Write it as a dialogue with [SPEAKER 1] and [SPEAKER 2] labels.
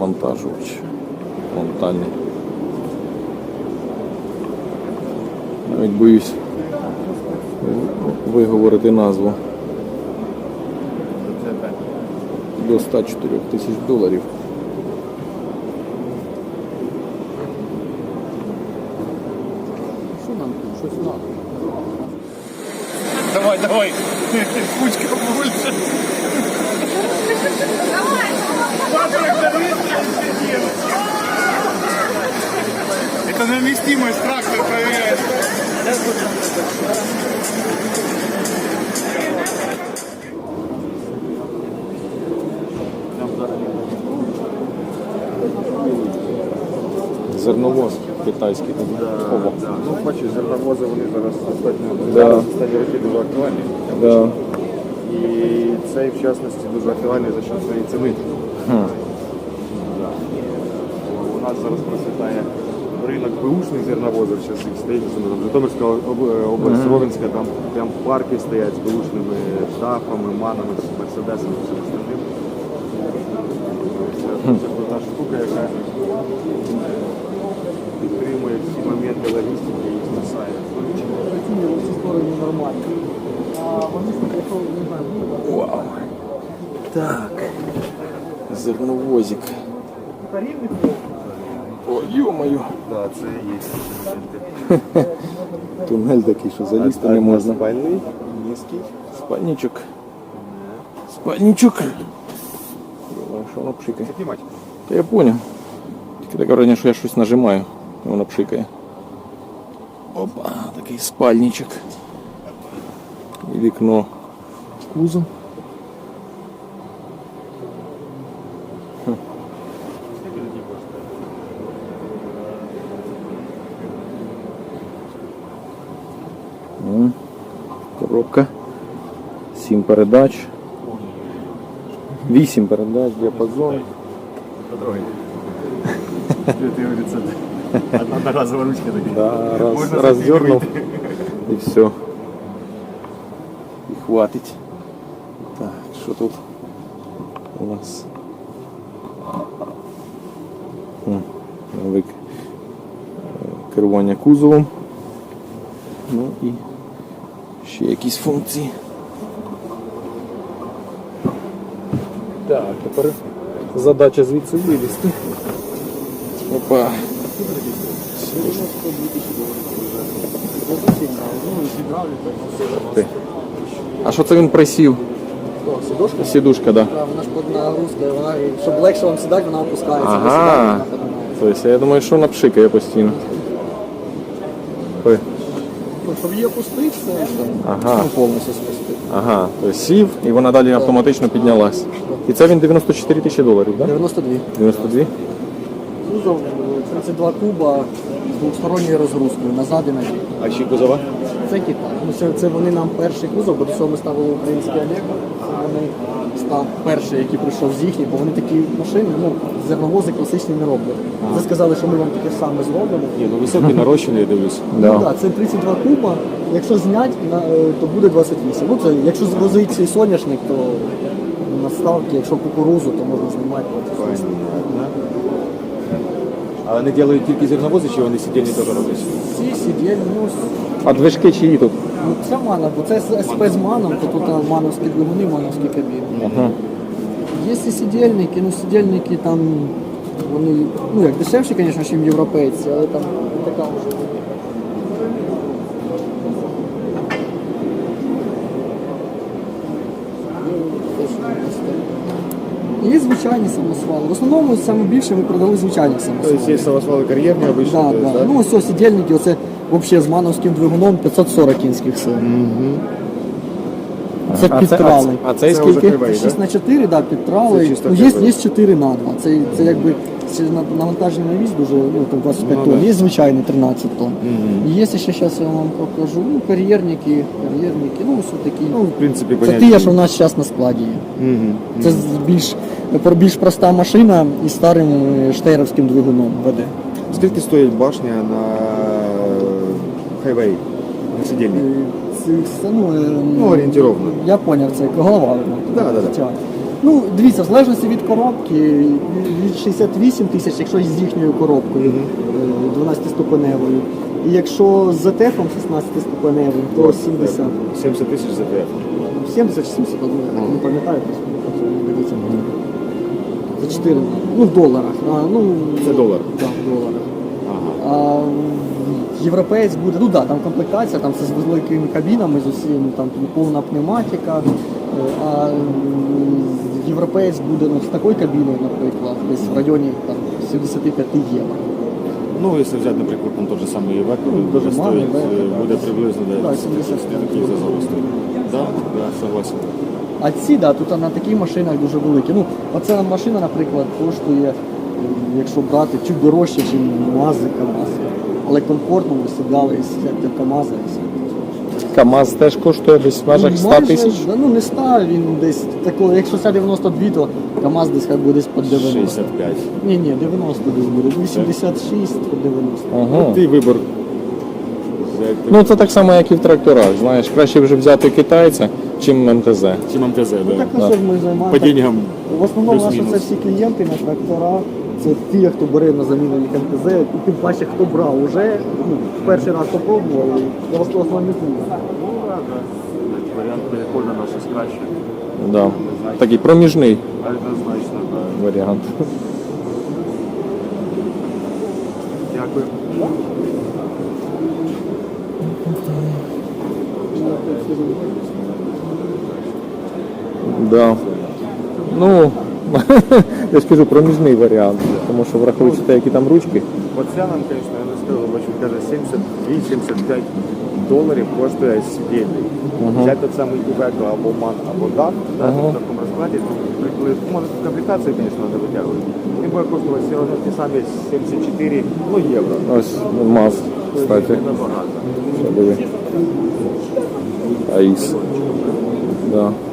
[SPEAKER 1] навантажувач фронтальний. Навіть боюсь виговорити назву. До 104 тисяч доларів.
[SPEAKER 2] Що нам тут? Щось надо.
[SPEAKER 3] Давай, кучка больше. Это на вместимость трактор проверяет.
[SPEAKER 1] Зерновоз китайський. Ого.
[SPEAKER 3] Ну, бачиш, зерновози, вони зараз достатньо
[SPEAKER 1] Да.
[SPEAKER 3] роки дуже актуальні.
[SPEAKER 1] Да.
[SPEAKER 3] І цей, в частності, дуже актуальний за счет своєї ціни. У нас зараз процвітає ринок беушних зерновозів, зараз їх стоїть, Житомирська область, Ровенська, там прям парки стоять з беушними дафами, манами, мерседесами, всім остальним. Це крута штука, яка підтримує всі моменти логістики і спасає.
[SPEAKER 1] Вау. Так. Зерновозик. О, ё-моё.
[SPEAKER 3] Так, це є.
[SPEAKER 1] Тунель такий, що залізти не можна.
[SPEAKER 3] Спальний, низький.
[SPEAKER 1] Спальничок. Спальничок. Що воно пшикає?
[SPEAKER 3] Піднімати.
[SPEAKER 1] Та я понял. Тільки таке враження, що я щось нажимаю, і воно пшикає. Опа, такий спальничок. І вікно. Кузов. Коробка. 7 передач. 8 передач, діапазон.
[SPEAKER 3] Одноразова ручка така.
[SPEAKER 1] Да, раздернул и все. И хватит. Так, что тут у нас? Керування кузовом. Ну і ще якісь функції. Так, тепер задача звідси вилізти. Опа. А що це він присів?
[SPEAKER 2] Сідушка?
[SPEAKER 1] Сідушка, так. Да.
[SPEAKER 2] Вона ж під нагрузкою, вона, щоб легше вам сідати, вона опускається.
[SPEAKER 1] Ага. Тобто я думаю, що вона пшикає постійно. Ой.
[SPEAKER 2] Щоб її опустити, це
[SPEAKER 1] Ага.
[SPEAKER 2] повністю спустити.
[SPEAKER 1] Ага, тобто сів і вона далі автоматично піднялась. І це він 94 тисячі доларів, так?
[SPEAKER 2] 92.
[SPEAKER 1] 92?
[SPEAKER 2] Кузов 32 куба з двосторонньою розгрузкою назад і на бік.
[SPEAKER 3] А ще кузова?
[SPEAKER 2] Це Китай. Ну, це вони нам перший кузов, бо до цього ми ставили український Олег. Вони став перший, який прийшов з їхніх, бо вони такі машини, ну, зерновози класичні не роблять. Вони сказали, що ми вам таке саме зробимо.
[SPEAKER 3] Ні, ну високий нарощений, я дивлюсь.
[SPEAKER 2] Ну, так, це 32 куба. Якщо зняти, то буде 28. Ну, це, якщо звозить цей соняшник, то на ставки, якщо кукурузу, то можна знімати.
[SPEAKER 3] А вони роблять тільки зерновози, чи вони сидільні теж роблять?
[SPEAKER 2] Всі сиділи, ну,
[SPEAKER 1] А движки чиї тут?
[SPEAKER 2] ну, це мана, бо це СП з маном, то тут мановські двигуни, мановські кабіни.
[SPEAKER 1] Ага.
[SPEAKER 2] Є і сидільники, ну сидільники там, вони, ну як дешевші, звісно, ніж європейці, але там не така вже. Є звичайні самосвали. В основному саме більше ми продали звичайних самосвалів.
[SPEAKER 3] Тобто є самосвали кар'єрні обично?
[SPEAKER 2] Да, да. Ну ось сидільники, оце взагалі з мановським двигуном 540 кінських сил. Це підтрали.
[SPEAKER 1] А цей
[SPEAKER 3] Це
[SPEAKER 1] скільки?
[SPEAKER 3] вже кривий,
[SPEAKER 2] 6х4, да, підтрали.
[SPEAKER 3] Це чисто
[SPEAKER 2] Ну,
[SPEAKER 3] кривий.
[SPEAKER 2] є 4х2. Це якби це навантаження на віз дуже, ну, там 25
[SPEAKER 3] Ну,
[SPEAKER 2] тонн.
[SPEAKER 3] да.
[SPEAKER 2] Є звичайний 13 тонн. І є ще, зараз я вам покажу, ну, кар'єрники, ну, ось такі.
[SPEAKER 3] Ну, в принципі,
[SPEAKER 2] Це
[SPEAKER 3] понятно.
[SPEAKER 2] ті, що у нас зараз на складі є. Це більш проста машина із старим штейровським двигуном веде.
[SPEAKER 3] Скільки стоїть башня на хайвей, на сидільні?
[SPEAKER 2] Це,
[SPEAKER 3] Ну, орієнтировно.
[SPEAKER 2] Я зрозумів, це голова.
[SPEAKER 3] Да.
[SPEAKER 2] Ну, дивіться, в залежності від коробки, від 68 тисяч, якщо з їхньою коробкою 12-ступеневою. І якщо з ZF 16-ступеневим, то 70.
[SPEAKER 3] 70 тисяч за ТФ.
[SPEAKER 2] 70 чи 70, я не пам'ятаю, просто дивіться. За 4, ну в доларах.
[SPEAKER 3] Це долар?
[SPEAKER 2] Так, в доларах.
[SPEAKER 3] Ага.
[SPEAKER 2] А європеєць буде, ну так, там комплектація, там це з великими кабінами, з усім, там повна пневматика. А європеєць буде з такою кабіною, наприклад, десь в районі там, 75 євро.
[SPEAKER 3] Ну, якщо взяти, наприклад, там той же самий Iveco, він
[SPEAKER 2] Дуже
[SPEAKER 3] буде
[SPEAKER 2] малий,
[SPEAKER 3] стоїть,
[SPEAKER 2] Iveco,
[SPEAKER 3] буде приблизно
[SPEAKER 2] Да, 70.
[SPEAKER 3] такий зазор стоїть. Так, согласен.
[SPEAKER 2] А ці, да, тут на таких машинах дуже великі. Ну, оця машина, наприклад, коштує, якщо брати, чуть дорожче, ніж МАЗи, КАМАЗи. Але комфортно ви сідали, сидять в КАМАЗа і все.
[SPEAKER 1] КАМАЗ теж коштує десь в межах 100
[SPEAKER 2] Майже,
[SPEAKER 1] тисяч.
[SPEAKER 2] да, ну не 100, він десь такого, якщо це 92, то КАМАЗ десь хай буде десь по 90.
[SPEAKER 3] 65.
[SPEAKER 2] Ні, 90 десь буде, 86 по 90.
[SPEAKER 1] Ага.
[SPEAKER 3] Твій вибор. Як ти-
[SPEAKER 1] Ну це так само, як і в тракторах. Знаєш, краще вже взяти китайця, чим МТЗ.
[SPEAKER 3] Чи МТЗ,
[SPEAKER 2] Так
[SPEAKER 3] да.
[SPEAKER 2] на що ж ми займаємося?
[SPEAKER 3] По деньгам
[SPEAKER 2] В основному наші
[SPEAKER 3] плюс-мінус.
[SPEAKER 2] це всі клієнти на трактора, це ті, хто бере на заміну їх МТЗ, і тим паче, хто брав уже, ну, перший раз попробував, і основні клієнти.
[SPEAKER 3] Варіант переходу на щось краще.
[SPEAKER 1] Да. Такий проміжний
[SPEAKER 3] Однозначно, так.
[SPEAKER 1] варіант.
[SPEAKER 3] Дякую.
[SPEAKER 1] Да. Ну, я ж кажу, проміжний варіант, тому що враховуючи те, які там ручки.
[SPEAKER 3] Оця нам, звісно, я не скажу, бачу, каже, 72-75 доларів коштує сидільний. Взяти той самий Iveco або MAN, або DAF, да, в такому розкладі, може комплектацію, звісно, не витягують. Він буде коштувати все одно ті самі 74 євро.
[SPEAKER 1] Ось МАЗ, кстати.
[SPEAKER 3] Набагато.
[SPEAKER 1] Що диви. АІС. Да.